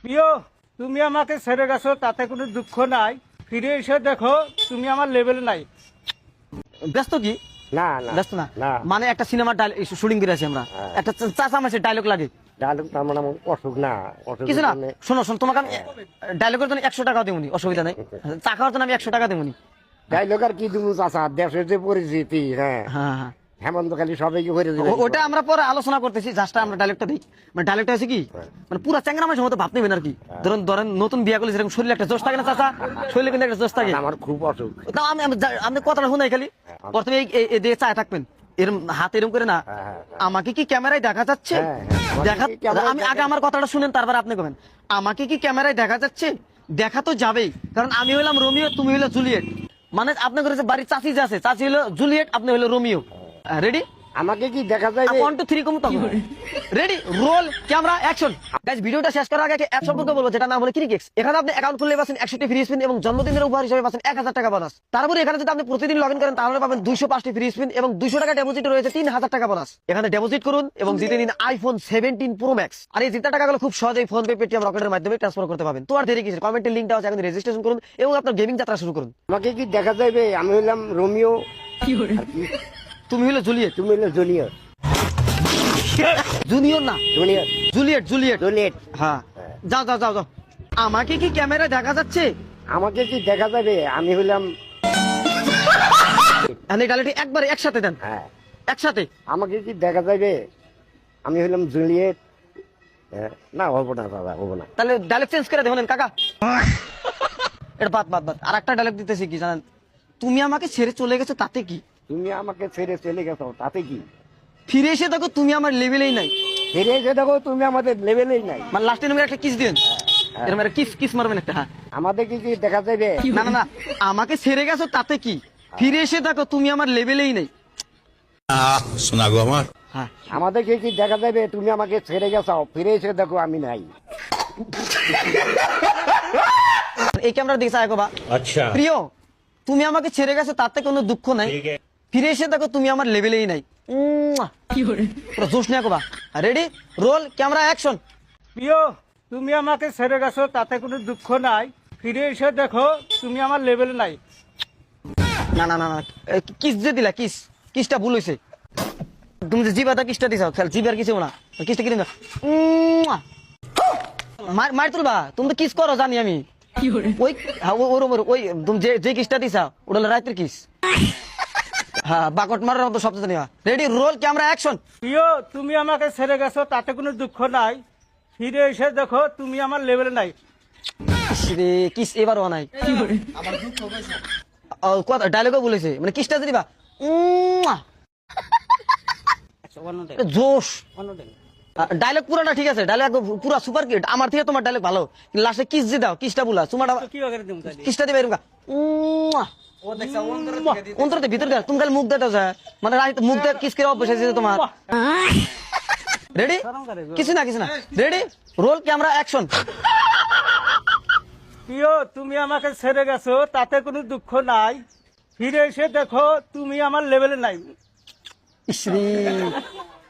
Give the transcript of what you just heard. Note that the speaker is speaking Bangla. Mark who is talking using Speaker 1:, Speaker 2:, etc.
Speaker 1: প্রিয়, তুমি আমাকে ছেড়ে গেছো তাতে কোনো দুঃখ নাই, ফিরে এসে দেখো তুমি আমার লেভেলে নাই।
Speaker 2: ব্যস্ত কি?
Speaker 3: না না
Speaker 2: ব্যস্ত না
Speaker 3: না।
Speaker 2: মানে একটা সিনেমার শুটিং করে আছি আমরা, একটা চাচা মাসের ডায়লগ লাগে
Speaker 3: ডায়লগ তার মানে আমার অসুখ না, অসুখ
Speaker 2: কিছু না। শোনো শোনো, তোমাকে আমি ডায়লগের জন্য 100 টাকা দেবনি, অসুবিধা নেই। চা খাওয়ার জন্য আমি 100 টাকা দেবনি।
Speaker 3: ডায়লগ আর কি দিব চাচা, দেশের যে পরিস্থিতি, হ্যাঁ
Speaker 2: হ্যাঁ হ্যাঁ,
Speaker 3: হেমন্ত খালি সবাইকে ভরে দিবে।
Speaker 2: ওটা আমরা পরে আলোচনা করতেছি, জাস্ট আমরা ডায়লগটা দিই। মানে ডায়লগটা আছে কি, মানে পুরো চ্যাংরা মাসের মতো ভাব নেবেন আর কি। ধরেন ধরেন নতুন বিয়া করলে যেরকম শরীরে একটা জোশ থাকে না চাচা, শরীরে কিন্তু একটা জোশ থাকে।
Speaker 3: আমার খুব অসুখ।
Speaker 2: তাও আমি কথাটা শুনাই খালি। প্রথমে এই দিয়ে চায় থাকবেন, এরম হাত এরম করে না। আমাকে কি ক্যামেরায় দেখা যাচ্ছে? দেখা, আমি আগে আমার কথাটা শুনেন, তারপর আপনি কবেন আমাকে কি ক্যামেরায় দেখা যাচ্ছে? দেখা তো যাবেই, কারণ আমি হইলাম রোমিও, তুমি হইলো জুলিয়েট। মানে আপনার ঘরে যে বাড়ির চাচি যে আছে, চাচি হলো জুলিয়েট, আপনি হইলো রোমিও। রেডি?
Speaker 3: আমাকে কি দেখা যায়?
Speaker 2: 1 2 3 কম তখন ready, roll camera action. Guys, ভিডিওটা শেষ করার আগে একটা অ্যাপ সম্পর্কে বলবো, যেটা নাম হলো ক্রিকেক্স। এখানে আপনি অ্যাকাউন্ট খুললে পাচ্ছেন 61টি ফ্রি স্পিন এবং জন্মদিনের উপহার হিসেবে পাচ্ছেন 1000 টাকা বোনাস। তারপরে এখানে যদি আপনি প্রতিদিন লগইন করেন তাহলে পাবেন 205টি ফ্রি স্পিন এবং 200 টাকা ডেপোজিট রয়েছে 3000 টাকা বোনাস। এখানে ডেপোজিট করুন এবং জিতে নিন আইফোন 17 প্রো ম্যাক্স। আর এই জিতা টাকাগুলো খুব সহজেই ফোন পে, পেটিএম, রকেটের মাধ্যমে ট্রান্সফার করতে পারবেন। তো আর দেরি কিসের, কমেন্টে লিংকটা আছে, এখন রেজিস্ট্রেশন করুন এবং আপনার গেমিং যাত্রা শুরু করুন।
Speaker 3: আমাকে কি দেখা যাবে? আমি হইলাম রোমিও,
Speaker 2: তুমি হলো জুলিয়েট।
Speaker 3: তুমি হইলো জুনিয়র।
Speaker 2: জুনিয়র না,
Speaker 3: জুনিয়র,
Speaker 2: জুলিয়েট জুলিয়েট।
Speaker 3: জুলিয়েট।
Speaker 2: হ্যাঁ, যাও যাও যাও যাও। আমাকে কি ক্যামেরায় দেখা যাচ্ছে?
Speaker 3: আমাকে কি দেখা যাবে? আমি হইলাম,
Speaker 2: ডালিটি একবারে একসাথে দেন,
Speaker 3: হ্যাঁ
Speaker 2: একসাথে।
Speaker 3: আমাকে কি দেখা যাবে? আমি হইলাম জুলিয়েট। না হবো না দাদা, হবো না।
Speaker 2: তাহলে ডায়লগ চেঞ্জ করে দেখুন কাকা। এটা বাদ বাদ বাদ। আর একটা ডায়লগ দিতেছি কি জানেন, তুমি আমাকে ছেড়ে চলে গেছো তাতে কি?
Speaker 3: তুমি আমাকে ছেড়ে চলে গেছো তাতে কি?
Speaker 2: ফিরে এসে দেখো তুমি আমার লেভেলেই নাই।
Speaker 3: ফিরে এসে দেখো তুমি আমাদের লেভেলেই নাই।
Speaker 2: মানে লাস্টে তুমি একটা কিস দিন, এরকম একটা কিস কিস মারবেন একটা। হ্যাঁ,
Speaker 3: আমাদের কি কি দেখা যাবে?
Speaker 2: না না না, আমাকে ছেড়ে গেছো তাতে কি, ফিরে এসে দেখো তুমি আমার লেভেলেই নাই।
Speaker 4: শোনা গো আমার।
Speaker 2: হ্যাঁ,
Speaker 3: আমাদের কি দেখা যাবে? তুমি আমাকে ছেড়ে গেছো, ফিরে এসে দেখো আমি নাই।
Speaker 2: এই ক্যামেরা দিকে চাই বা।
Speaker 4: আচ্ছা,
Speaker 2: প্রিয়, তুমি আমাকে ছেড়ে গেছো তাতে কোনো দুঃখ নাই, ফিরে এসে দেখো তুমি আমার লেভেলেই নাই। পুরো জোশ নিয়ে বা। Ready, roll camera action.
Speaker 1: প্রিয়, তুমি আমাকে ছেড়ে গেছো তাতে কোনো দুঃখ নাই, ফিরে এসে দেখো তুমি আমার লেভেলে নাই।
Speaker 2: না না না না, কিস যে দিলা, কিস কিসটা ভুল হয়েছে। তুমি যে জিবাটা কিসটা দিছাও, খেল জিবার কিছু না, কিসটা কি দিবা? মার তুলবা, তুমি তো কিস করো জানি আমি। ওই ওরম ওই তুমি যে কিসটা দিছা ওটা হলো রাতের কিস। হ্যাঁ, বাকট মারার মতো শব্দ জানি। Ready, roll camera action.
Speaker 1: প্রিয়, তুমি আমাকে ছেড়ে গেছো তাতে কোনো দুঃখ নাই, ফিরে এসে দেখো তুমি আমার লেভেলে নাই।
Speaker 2: রে কিস এবারও নাই, ডায়লগও বলেছে, মানে কিসটা দিবা জোশ। ডায়লগ পুরাটা ঠিক আছে, ডায়লগ পুরা সুপার কিট, আমার থেকে তোমার ডায়লগ ভালো। লাস্টে কিস দিয়ে দাও, কিসটা বলা তোমার,
Speaker 1: কি করে দিম তাহলে?
Speaker 2: কিসটা দিবে এরকম অন্তরতে ভিতর দেয়, তুমি খালি মুখ দেটা যায়, মানে মুখ দেয় কিস করে অভ্যাস আছে তোমার। রেডি, কিছু না কিছু না। Ready, roll camera action.
Speaker 1: প্রিয়, তুমি আমাকে ছেড়ে গেছো তাতে কোনো দুঃখ নাই, ফিরে এসে দেখো তুমি আমার লেভেলে নাই।
Speaker 2: ইসরি,